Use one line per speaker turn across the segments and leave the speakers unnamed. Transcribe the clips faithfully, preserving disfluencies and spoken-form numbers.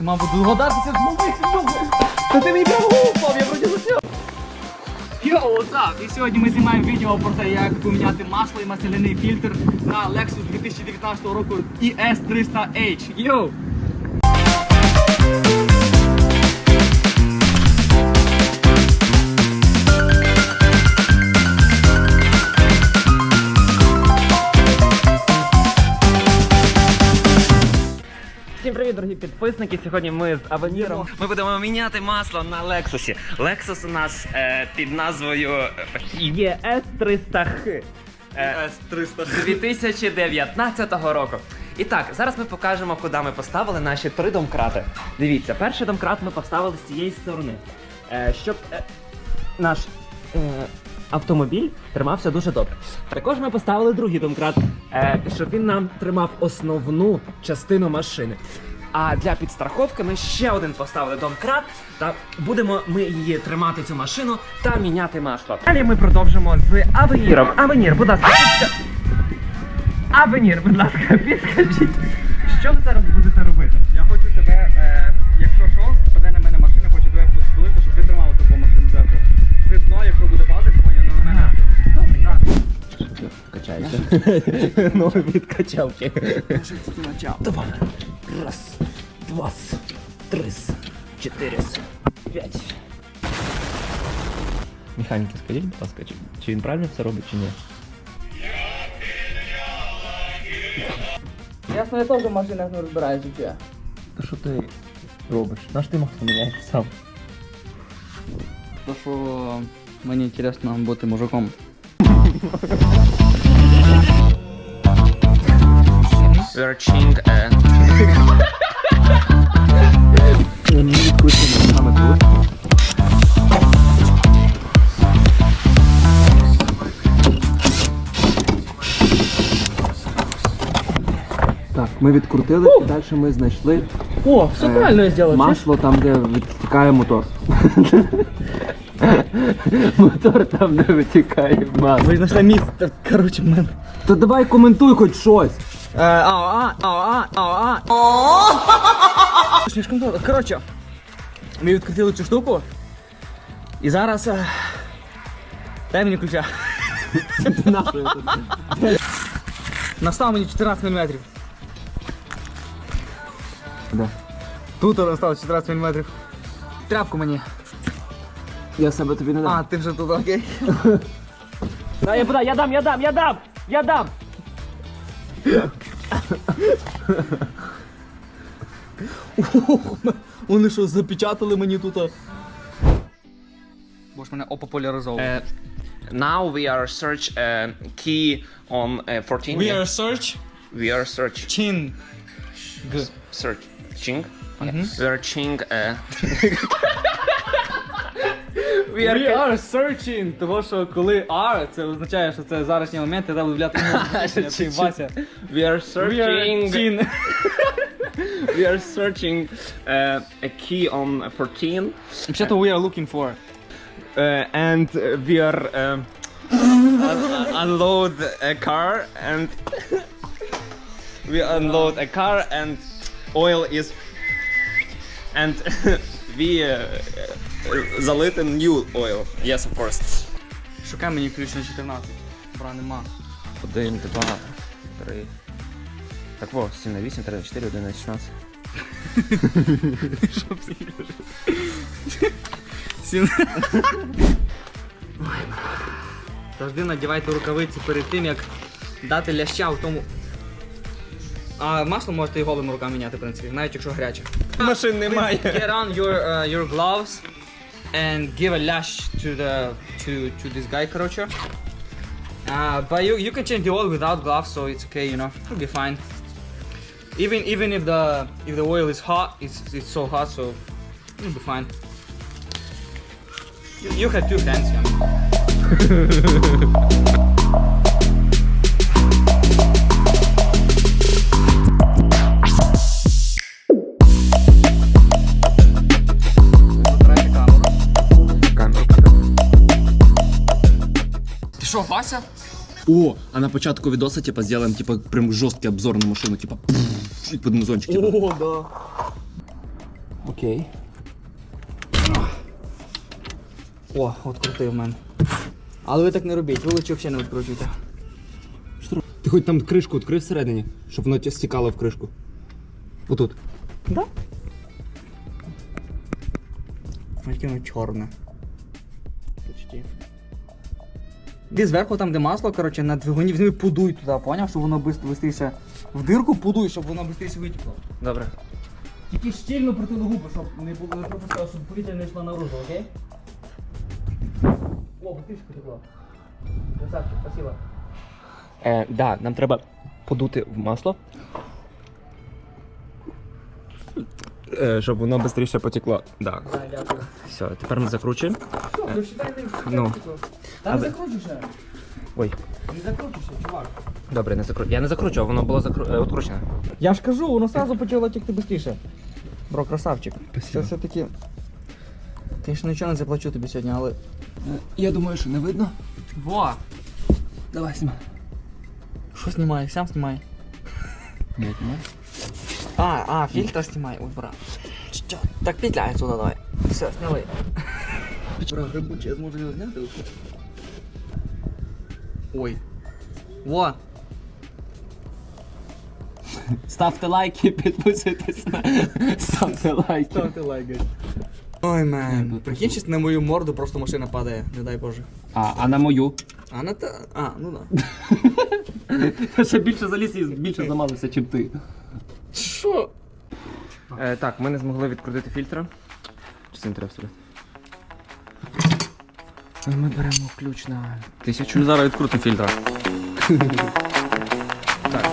Ти, мабуть, догадатися змогли. Та ти мені прямо упав, я вроді засняв. Йоу, what's up? І сьогодні ми знімаємо відео про те, як поміняти масло і масляний фільтр на Lexus дві тисячі дев'ятнадцятого року і ес триста ейч. Йоу! Всім привіт, дорогі підписники! Сьогодні ми з Авеніром.
Ми будемо міняти масло на Лексусі. Лексус у нас е, під назвою
є ес триста ха.
е, дві тисячі дев'ятнадцятого року. І так, зараз ми покажемо, куди ми поставили наші три домкрати. Дивіться, перший домкрат ми поставили з цієї сторони, е, щоб е, наш е, автомобіль тримався дуже добре. Також ми поставили другий домкрат, е, щоб він нам тримав основну частину машини. А для підстраховки ми ще один поставили домкрат, та будемо ми її тримати, цю машину, та міняти масло. Далі ми продовжимо з Авеніром. Авенір, будь ласка, підска... Авенір, будь ласка, підскажіть, що ви зараз будете робити?
Я хочу тебе, е, якщо що, спаде на мене машина, хочу тебе підстелити, щоб ти тримав таку машину зверху. Ти дно, якщо буде падати, поняв, на мене. Добре, так.
Качайся. Новий відкачав. Два. Раз, два, три, чотири, п'ять. Механіки, скажіть, будь ласка, чи, чи він правильно все робить, чи ні?
Ясно, я теж в машинах не розбираюся, чи я.
Та що ти робиш? Наш ти масло міняєш сам?
То, що мені цікаво бути мужиком.
Верчинг, е...
Так, ми відкрутили і далі ми знайшли
О, все
е,
правильно я зробив.
масло там, де витікає мотор. Мотор там, де витікає масло.
Ви знайшли місце, коротше, в мене.
То давай коментуй хоч щось.
Е, ау, а, ау, а, ау, а. Слишком довго. Коротше, ми відкрутили цю штуку. І зараз... е, Дай мені ключа. Настав мені чотирнадцять міліметрів.
Де?
Тут настав чотирнадцять міліметрів. Тряпку мені.
Я себе тобі не дам.
А, ти вже тут, окей. Да, я подай, я дам, я дам, я дам! Я дам! Вони що, запечатали мені тут? Бо ж мене опопуляризовували.
Uh, now we are search uh, key on uh, fourteen.
We are search
we are search
chin. G.
searching.
Mhm.
Searching. Uh,
We are, We are searching, того що коли R, це означає, що це зарашній момент, і треба виявляти ти Вася.
we are
We
searching.
are chin.
we are searching uh, a key on fourteen.
Взагалі, we are looking for.
Uh, and we are um, un- unload a car and we unload a car and oil is and we uh, заlit a new oil. Yes, of course.
Шукай мені ключ на чотирнадцять. Бра, нема.
Один, два, три. Так во, сім на вісім, три на чотири, один на шістнадцять.
Що це? Сім. Завжди надівайте рукавиці перед тим, як дати ляща в тому. А масло можете і голими руками міняти, в принципі, навіть якщо гаряче.
Машин немає.
Get on your uh, your gloves and give a lash to the to to this guy, короче. Uh, but you you can change the oil without gloves, so it's okay, you know, it'll be fine. Even even if the if the oil is hot, it's it's so hot, so it'll be fine. You, you have two hands, yeah. Ти що, Вася?
О, а на початку відоса, типа, сделаем, типа, прям жорсткий обзор на машину, типа, пфф, і під музончик, типа.
О, да.
Окей.
О, відкрутив в мене. Але ви так не робіть, ви лучше взагалі не відкручуйте.
Ти хоч там кришку відкрив всередині, щоб воно стікало в кришку. Отут.
Да? Яке воно чорне. Почти. Іди зверху там, де масло, коротше, на двигуні візьми, пудуй туди, поняв? Щоб воно швидше в дирку пудуй, щоб воно швидше витекло.
Добре.
Тільки щільно притили губи, щоб не було не пропускало, щоб повітря не йшло наружу, окей? О, бутишка потекла. Красавчик, спасибо.
Е, да, нам треба подути в масло. Е, щоб воно швидше потекло. Да.
Да, дякую.
Все, тепер ми закручуємо.
Все, ну считай, не
Ну.
Та не
Але-
закручуй ще.
Ой,
Не закручуй ще, чувак.
добре, не закру... Я не закручував, воно було закру... е, відкручене.
Я ж кажу, воно сразу почало текти швидше. Бро, красавчик. Це все-таки... Звісно, нічого не заплачу тобі сьогодні, але...
Я думаю, що не видно.
Во!
Давай, знімай.
Що знімай? Сам знімай. А, а, фильтр знімай. Ой, брат. Чё? Так петляй сюда давай. Все, сняли. Бра, грибучий, я зможу його зняти? Ой. Во!
Ставте лайки, підписуйтесь. Ставте лайки.
Ставте лайк, гайс. Ой, мен. Прикинь, щас на мою морду просто машина падає, не дай Боже.
А, а на мою?
А на та... А, ну да.
Я ще більше заліз і більше замазався, чим ти.
Що?
Е, так, ми не змогли відкрутити фільтра. Чи це не треба вставляти? Ми беремо ключ на тисячу.
Зараз відкрутим фільтра.
Так,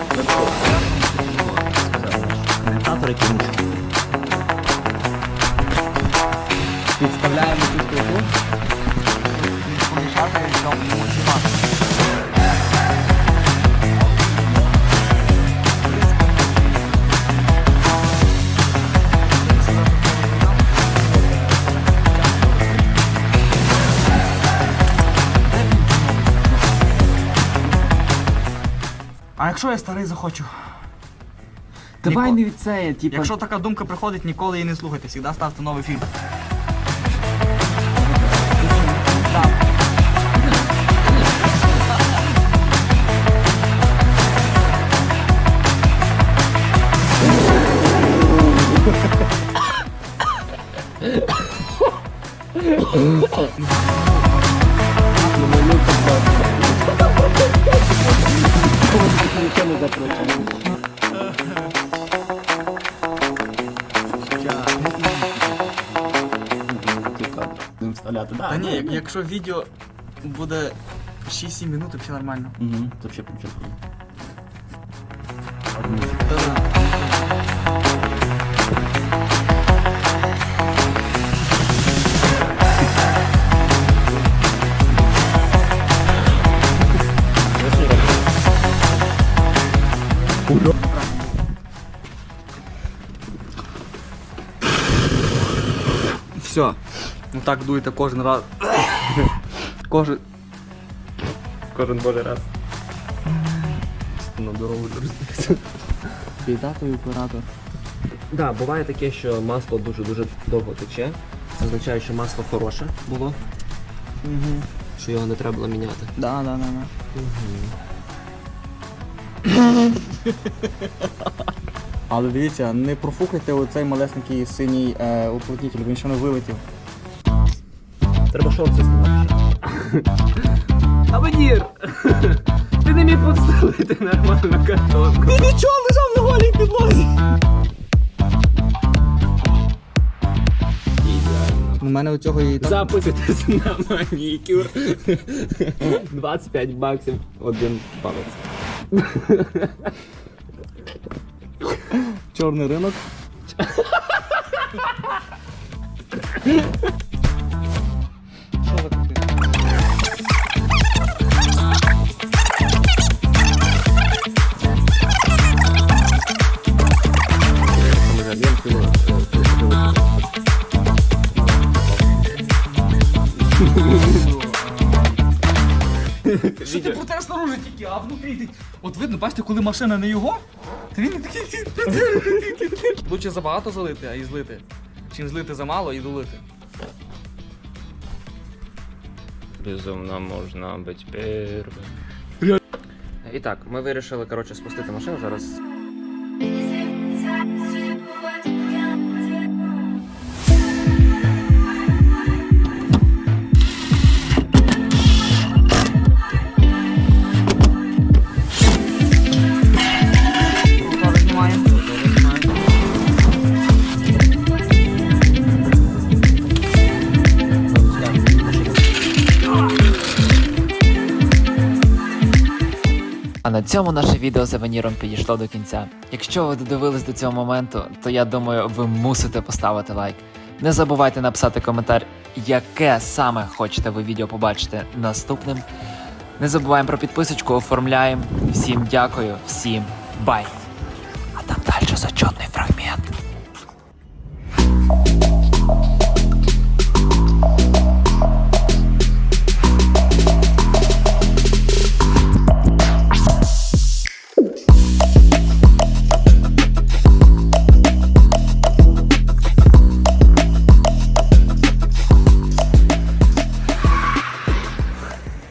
коментатор який
Підставляємо цю штуку. Помішати, щоб максимально. А якщо я старий захочу?
Давай
Ніко-
не від це, типа.
Якщо така думка приходить, ніколи її не слухайте, завжди ставте новий фільм.
Будемо вставляти,
Та ні, як- якщо відео буде шість-сім минут, то все нормально.
Угу, це взагалі причому.
Все. Ну так дуєте кожен раз. Кожен.
Кожен божий раз.
На дорогу розбився.
Біда той оператор.
Да, буває таке, що масло дуже-дуже довго тече. Це означає, що масло хороше було,
Угу.
що його не треба було міняти.
Да, да, да, да. Але дивіться, не профукайте оцей малесенький синій е, уплотнитель, він ще не вилетів.
Треба шорти знімати. Аванір! Ти не міг підставити нормальну картонку.
Ти нічого лежав на голій підлозі! У мене у цього і так.
Записуйтесь на манікюр. двадцять п'ять баксів один палець.
Чорний ринок. Що ви тут? Що ти проте снаружи тільки, а внутрі ти. От видно, бачите, коли машина не його, то він не такий. Лучше забагато залити, а і злити. чим злити замало і долити.
Безумно можна бути першим. І так, ми вирішили, коротше, спустити машину зараз.
Рукави знімаємо.
А на цьому наше відео з Евеніром підійшло до кінця. Якщо ви додивились до цього моменту, то я думаю, ви мусите поставити лайк. Не забувайте написати коментар, яке саме хочете ви відео побачити наступним. Не забуваємо про підписочку, оформляємо. Всім дякую, всім бай! А там далі зачетний фрагмент.